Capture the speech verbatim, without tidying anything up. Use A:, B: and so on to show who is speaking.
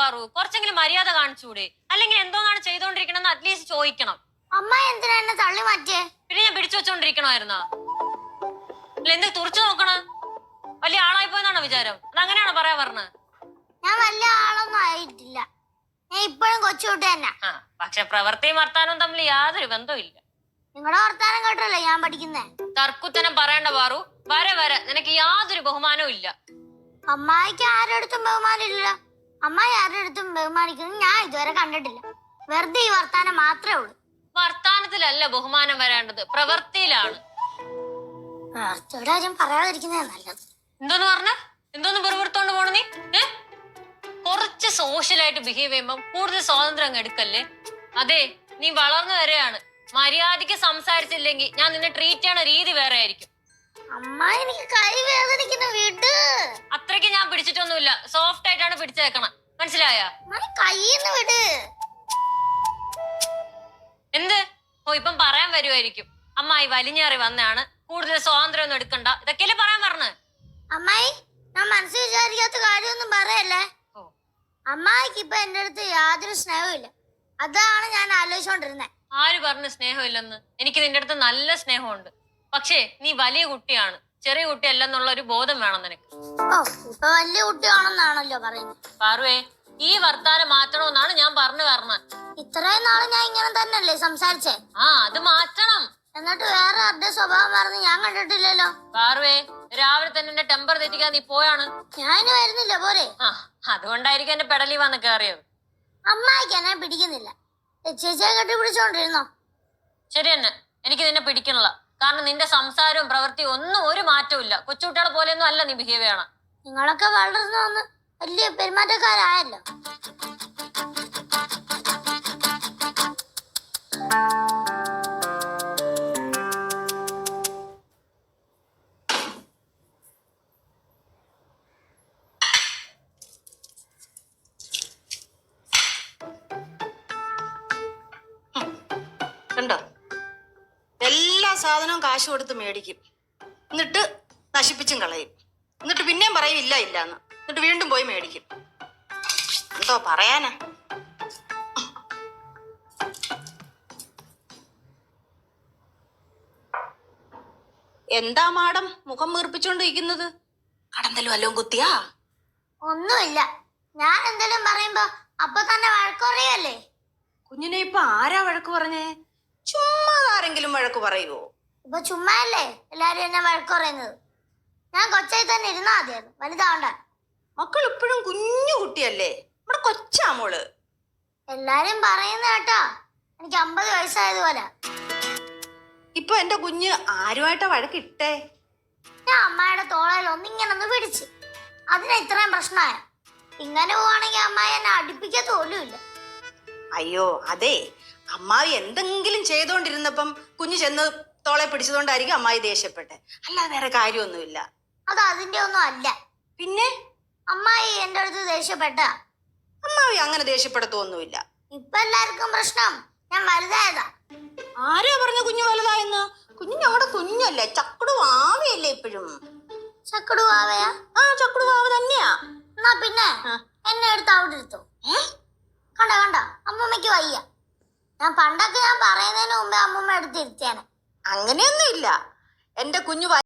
A: പാറു, കുറച്ചെങ്കിലും മര്യാദ കാണിച്ചൂടെ? അല്ലെങ്കിൽ എന്തോന്നാണ് ചെയ്തോണ്ടിരിക്കണെന്ന് അറ്റ്ലീസ്റ്റ് ചോദിക്കണം.
B: അമ്മ എന്തിനാ എന്നെ തള്ളി മാറ്റിയേ?
A: പിന്നെ ഞാൻ പിടിച്ചു വെച്ചോണ്ടിരിക്കണമായിരുന്നാ? അല്ല എന്ത് തുറച്ചു നോക്കണ? വലിയ ആളായി പോയെന്നാണോ വിചാരം? അതങ്ങനെയാണോ പറയാ പറഞ്ഞത്?
B: ഞാൻ വലിയ ആളൊന്നും ആയിട്ടില്ല, ഞാൻ ഇപ്പോഴും കൊച്ചുകുട്ടി തന്നെ.
A: ആ പക്ഷെ പ്രവൃത്തിയും വർത്താനവും തമ്മിൽ യാതൊരു ബന്ധവും ഇല്ല.
B: നിങ്ങളുടെ വർത്താനം കേട്ടല്ലേ ഞാൻ പഠിക്കുന്നേ.
A: തർക്കുത്തനം പറയണ്ട പാറു, വരെ വരെ നിനക്ക് യാതൊരു ബഹുമാനവും ഇല്ല.
B: അമ്മായിക്ക് ആരുടെ അടുത്തും ബഹുമാനം ഇല്ല. അമ്മായി ആരുടെ അടുത്തും ബഹുമാനിക്കുന്നത് ഞാൻ ഇതുവരെ കണ്ടിട്ടില്ല. വെറുതെ ഈ വർത്താനം മാത്രമേ ഉള്ളൂ.
A: വർത്താനത്തിലല്ല ബഹുമാനം വരേണ്ടത്, പ്രവൃത്തിയിലാണ്.
B: കാര്യം പറയാതിരിക്കുന്നേ നല്ലത്.
A: എന്തോന്ന് പറഞ്ഞ? എന്തോന്ന് വെറുതെടുത്തോണ്ട് പോണ നീ? ഏ കുറച്ച് സോഷ്യലായിട്ട് ബിഹേവ് ചെയ്യുമ്പോ കൂടുതൽ സ്വാതന്ത്ര്യം എടുക്കല്ലേ. അതെ, നീ വളർന്നു വരെയാണ്. മര്യാദക്ക് സംസാരിച്ചില്ലെങ്കിൽ ഞാൻ നിന്നെ ട്രീറ്റ് ചെയ്യണ രീതി വേറെ ആയിരിക്കും.
B: അമ്മ എനിക്ക് കൈ വേദനിക്കുന്ന വീട്.
A: അത്രയ്ക്ക് ഞാൻ പിടിച്ചിട്ടൊന്നുമില്ല, സോഫ്റ്റ് ആയിട്ടാണ് പിടിച്ചേക്കണം, മനസ്സിലായ?
B: കൈന്ന് വിട്.
A: എന്ത്? ഓ ഇപ്പം പറയാൻ വരുമായിരിക്കും, അമ്മായി വലിഞ്ഞേറി വന്നാണ്, കൂടുതൽ സ്വാതന്ത്ര്യം ഒന്നും എടുക്കണ്ട, ഇതൊക്കെയല്ലേ പറയാൻ പറഞ്ഞ്.
B: അമ്മായി, ഞാൻ മനസ്സിൽ വിചാരിക്കാത്ത കാര്യമൊന്നും പറയല്ലേ. അമ്മായിക്ക് ഇപ്പൊ എന്റെ അടുത്ത് യാതൊരു സ്നേഹവും ഇല്ല. അതാണ് ഞാൻ ആലോചിച്ചോണ്ടിരുന്നത്.
A: ആര് പറഞ്ഞു സ്നേഹമില്ലെന്ന്? എനിക്ക് നിന്റെ അടുത്ത് നല്ല സ്നേഹമുണ്ട്. പക്ഷേ നീ വലിയ കുട്ടിയാണ്, ചെറിയ കുട്ടിയല്ലെന്നുള്ള ഒരു ബോധം വേണം നിനക്ക്.
B: ഓ ഇപ്പൊ വലിയ കുട്ടിയാണെന്നാണല്ലോ പറയുന്നത്.
A: പാറുവേ, ഈ വർത്താനം മാറ്റണമെന്നാണ് ഞാൻ പറഞ്ഞു പറഞ്ഞത്.
B: ഇത്രയും നാള് ഞാൻ ഇങ്ങനെ തന്നെയല്ലേ സംസാരിച്ചേ?
A: ആ അത് മാറ്റണം.
B: എന്നിട്ട് വേറെ ആരുടെ സ്വഭാവം പറഞ്ഞ് ഞാൻ കണ്ടിട്ടില്ലല്ലോ.
A: പാറുവേ, രാവിലെ തന്നെ എന്റെ ടെമ്പർ തെറ്റിക്കാൻ നീ പോയാണ്.
B: ഞാനും വരുന്നില്ല പോരെ.
A: ആ അതുകൊണ്ടായിരിക്കും എന്റെ പെടലി വന്ന് കയറിയത്.
B: അമ്മായിക്ക് എന്നെ പിടിക്കുന്നില്ല, ചേച്ചിയെ കെട്ടി പിടിച്ചോണ്ടിരുന്നോ?
A: ശരി തന്നെ, എനിക്ക് നിന്നെ പിടിക്കണില്ല. കാരണം നിന്റെ സംസാരവും പ്രവൃത്തിയും ഒന്നും ഒരു മാറ്റവും ഇല്ല. കൊച്ചുകുട്ടികളെ പോലെയൊന്നും അല്ല നീ ബിഹേവ് ചെയ്യണം.
B: നിങ്ങളൊക്കെ വളർന്നു വന്ന് വലിയ പെരുമാറ്റക്കാരായല്ലോ.
C: കണ്ടോ, എല്ലാ സാധനവും കാശ് കൊടുത്ത് മേടിക്കും, എന്നിട്ട് നശിപ്പിച്ചും കളയും, എന്നിട്ട് പിന്നെയും പറയും ഇല്ല ഇല്ലാന്ന്, എന്നിട്ട് വീണ്ടും പോയി മേടിക്കും. എന്തോ പറയാനാ. എന്താ മാഡം മുഖം വീർപ്പിച്ചോണ്ടിരിക്കുന്നത്? കടന്തലും വല്ലതും കുത്തിയാ?
B: ഒന്നുമില്ല, ഞാൻ എന്തെങ്കിലും പറയുമ്പോ അപ്പൊ തന്നെ വഴക്കുറയല്ലേ.
C: കുഞ്ഞിനെ ഇപ്പൊ ആരാ വഴക്ക് പറഞ്ഞേ? ചുമ്മാ ആരെങ്കിലും വഴക്ക് പറയുവോ?
B: ഇപ്പൊ ചുമ്മാ അല്ലേ എല്ലാരും എന്നെ വഴക്ക് പറയുന്നത്. ഞാൻ കൊച്ചായി തന്നെ ഇരുന്നാ മതിയായിരുന്നു, വലുതാവണ്ട.
C: മക്കൾ ഇപ്പോഴും കുഞ്ഞു കുട്ടിയല്ലേ, നമ്മുടെ കൊച്ചാ മോള്.
B: എല്ലാരും പറയുന്ന കേട്ടാ എനിക്ക് അമ്പത് വയസ്സായതുപോലെ.
C: ഇപ്പൊ എന്റെ കുഞ്ഞ് ആരുമായിട്ടാ വഴക്കിട്ടേ?
B: ഞാൻ അമ്മായിയുടെ തോളയിൽ ഒന്നിങ്ങനെ ഒന്ന് പിടിച്ച്, അതിന് ഇത്രയും പ്രശ്നമായ. ഇങ്ങനെ പോവാണെങ്കിൽ അമ്മായി എന്നെ അടുപ്പിക്കത്ത് പോലും ഇല്ല.
C: അയ്യോ അതെ, അമ്മായി എന്തെങ്കിലും ചെയ്തോണ്ടിരുന്നപ്പം കുഞ്ഞു ചെന്ന് തോളെ പിടിച്ചതുകൊണ്ടായിരിക്കും അമ്മായി ദേഷ്യപ്പെട്ടെ, അല്ലാതെ വേറെ കാര്യമൊന്നുമില്ല.
B: അത് അതിന്റെ ഒന്നും അല്ല.
C: പിന്നെ
B: അമ്മായി എന്റെ അടുത്ത് ദേഷ്യപ്പെട്ട?
C: അമ്മായി അങ്ങനെ ദേഷ്യപ്പെടുത്തൊന്നുമില്ല.
B: ഇപ്പൊ എല്ലാവർക്കും പ്രശ്നം ഞാൻ വലുതായതാ.
C: ആരാ പറഞ്ഞ കുഞ്ഞു വലുതായെന്ന്? കുഞ്ഞു ഞങ്ങളുടെ കുഞ്ഞല്ലേ, ചക്കുടു ആവയല്ലേ ഇപ്പോഴും.
B: ചക്കുടു ആവയാ?
C: ആ ചക്കുടു ആവ തന്നെയാ.
B: എന്നാ പിന്നെ എന്നെ എടുത്ത് അവിടെ എടുത്തോ. കണ്ട കണ്ട അമ്മൂമ്മക്ക് വയ്യ. ഞാൻ പണ്ടൊക്കെ ഞാൻ പറയുന്നതിന് മുമ്പേ അമ്മൂമ്മ എടുത്തിരുത്തിയാണ്.
C: അങ്ങനെയൊന്നും ഇല്ല, എന്റെ കുഞ്ഞു